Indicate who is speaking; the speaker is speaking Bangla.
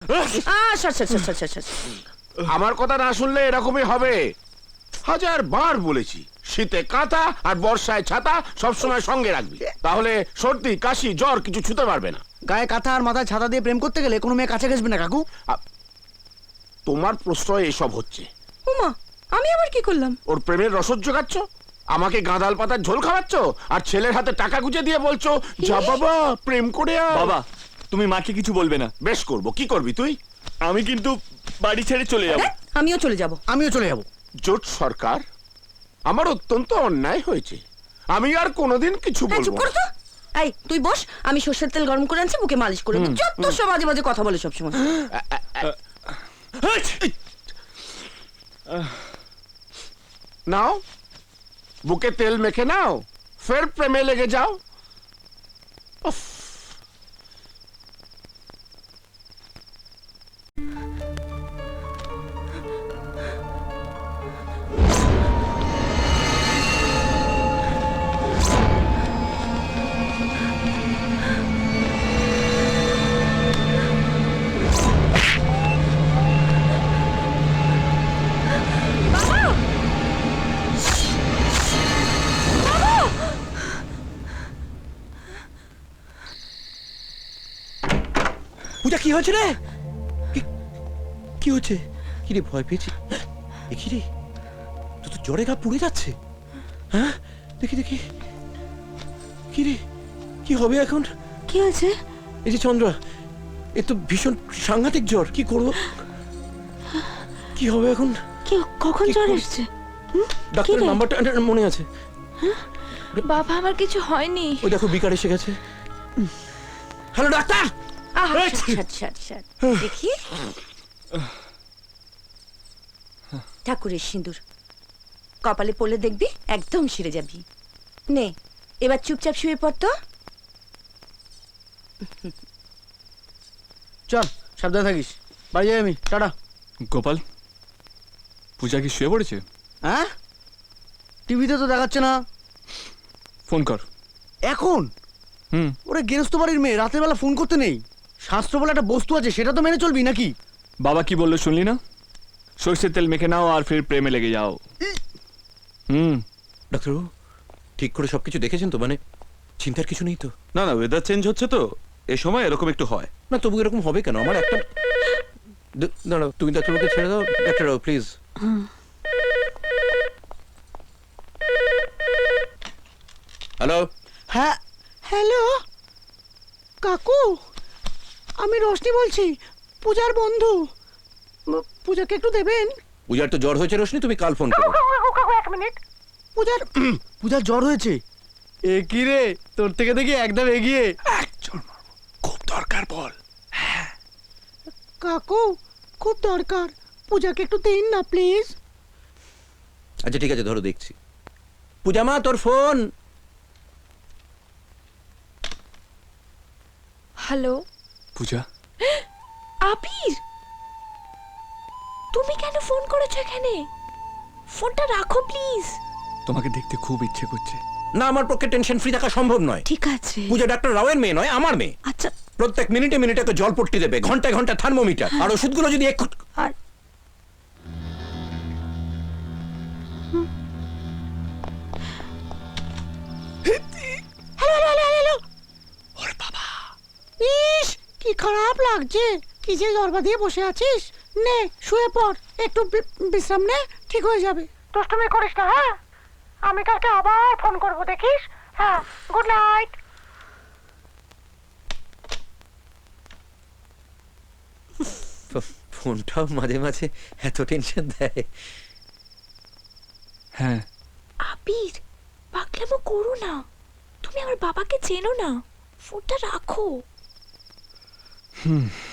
Speaker 1: আমার কথা না শুনলে এরকমই হবে। 1000 বার বলেছি, শীতে কাঁথা আর বর্ষায় ছাতা সবসময় সঙ্গে রাখবি, তাহলে সর্দি কাশি জ্বর কিছু ছুতে পারবে না।
Speaker 2: গায়ে কাঁথা আর মাথায় ছাতা দিয়ে প্রেম করতে গেলে কোনো মেয়ে কাছে ঘেসবে না কাকু।
Speaker 1: তোমার প্রশ্রয় এসব হচ্ছে।
Speaker 3: উমা, আমি আবার কি করলাম?
Speaker 1: ওর প্রেমের রসদ জোগাচ্ছ, আমাকে গাঁদাল পাতার ঝোল খাওয়াচ্ছ, আর ছেলের হাতে টাকা গুঁজে দিয়ে বলছো যা বাবা প্রেম করে আয়।
Speaker 4: বাবা, তুমি মাকে কিছু বলবে না।
Speaker 1: বেশ করবো, কি করবি তুই?
Speaker 4: আমি কিন্তু বাড়ি ছেড়ে চলে যাব।
Speaker 3: আমিও চলে যাব।
Speaker 2: আমিও চলে যাব।
Speaker 1: জোট সরকার, আমার অত্যন্ত অন্যায় হয়েছে, আমি আর কোনোদিন কিছু
Speaker 3: চুপ
Speaker 1: বলবো
Speaker 3: কর
Speaker 1: না।
Speaker 3: তো। এই তুই বস, আমি সর্ষের তেল গরম করে আনছি, বুকে মালিশ করে দিই। যত সব বাজে বাজে কথা বলে সবসময়।
Speaker 1: নাও, বুকে তেল মেখে নাও, ফের প্রেমে লেগে যাও। উফ।
Speaker 5: পূজা, কি হয়েছে রে? কি হচ্ছে? কি রে, ভয় পেয়েছি? দেখি রে, তো জ্বরে গা পুড়ে যাচ্ছে। হ্যাঁ, দেখি দেখি। কি রে, কি হবে এখন?
Speaker 3: কি হয়েছে?
Speaker 5: এই যে চন্দ্রা, এ তো ভীষণ সাংঘাতিক জ্বর, কি করবো? কি হবে এখন?
Speaker 3: কি, কখন
Speaker 5: কি
Speaker 3: জ্বর
Speaker 5: করব?
Speaker 3: এসেছে?
Speaker 5: ডাক্তারের নাম্বারটা মনে আছে?
Speaker 3: বাবা, আমার কিছু হয়নি।
Speaker 5: ওই দেখো, বিকার এসে গেছে। Hello doctor.
Speaker 3: দেখি, ঠাকুরের সিঁদুর কপালে পড়লে দেখবি একদম সেরে যাবি। নে, এবার চুপচাপ শুয়ে পড় তো।
Speaker 2: চল, সাবধানে থাকিস। বাড়ি যাই আমি, টাটা।
Speaker 4: গোপাল, পূজা কি শুয়ে পড়েছে?
Speaker 2: হ্যাঁ, টিভিতে তো দেখাচ্ছে না।
Speaker 4: ফোন কর
Speaker 2: এখন? ওরে গেরস্ত বাড়ির মেয়ে, রাতের বেলা ফোন করতে নেই। শাস্ত্র বলে একটা বস্তু আছে, সেটা তো মেনে চলবি নাকি?
Speaker 4: বাবা কি বললো শুনলি না? সর্ষের তেল মেখে নাও আর ফির প্রেমে লেগে যাও।
Speaker 5: ডাক্তারবাবু, ঠিক করে সবকিছু দেখেছেন তো? মানে চিন্তার কিছু নেই তো?
Speaker 6: না না, ওয়েদার চেঞ্জ হচ্ছে তো, এ সময় এরকম একটু হয়।
Speaker 5: না, তবু এরকম হবে কেন? আমার একটা দাঁড়াও, তুমি ডাক্তারবাবুকে ছেড়ে দাও। ডাক্তারবাবু প্লিজ। হ্যালো।
Speaker 2: হ্যাঁ, হ্যালো কাকু, আমি রোশনি বলছি, পূজার বন্ধু। পূজাকে একটু দেবেন?
Speaker 5: পূজার তো জ্বর হয়েছে রোশনি, তুমি কাল ফোন করো।
Speaker 2: এক মিনিট। পূজার জ্বর হয়েছে। এ কি রে, তোর থেকে দেখি একদম এগিয়ে।
Speaker 1: খুব দরকার বল।
Speaker 2: কাকু, খুব দরকার, পূজাকে একটু দিন না প্লিজ।
Speaker 5: আচ্ছা ঠিক আছে, ধরো দেখছি। পূজা মা, তোর ফোন।
Speaker 3: হ্যালো
Speaker 4: পূজা,
Speaker 3: আবির, তুমি কেন ফোন করেছো এখানে? ফোনটা রাখো প্লিজ।
Speaker 4: তোমাকে দেখতে খুব ইচ্ছে করছে।
Speaker 5: না, আমার পক্ষে টেনশন ফ্রি থাকা সম্ভব নয়।
Speaker 3: ঠিক আছে।
Speaker 5: পূজা ডাক্তার রাওয়ের মেয়ে নয়, আমার মেয়ে।
Speaker 3: আচ্ছা,
Speaker 5: প্রত্যেক মিনিটে মিনিটে একটা জলপট্টি দেবে, ঘন্টায় ঘন্টায় থার্মোমিটার, আর ওষুধগুলো যদি একটু।
Speaker 3: আর
Speaker 2: ইস, কি খারাপ লাগছে। কি যে দরবা দিয়ে বসে আছিস? নে, শুয়ে পড়, একটু বিশ্রাম নে, ঠিক হয়ে যাবে। দুষ্টুমি করিস না, হ্যাঁ? আমি কালকে আবার ফোন করব, দেখিস। হ্যাঁ, গুড নাইট।
Speaker 5: ফোনটাও মাঝে মাঝে এত টেনশন দেয়।
Speaker 4: হ্যাঁ,
Speaker 3: আবির, পাগলামো করো না। তুমি আমার বাবাকে চেনো না, ফোনটা রাখো।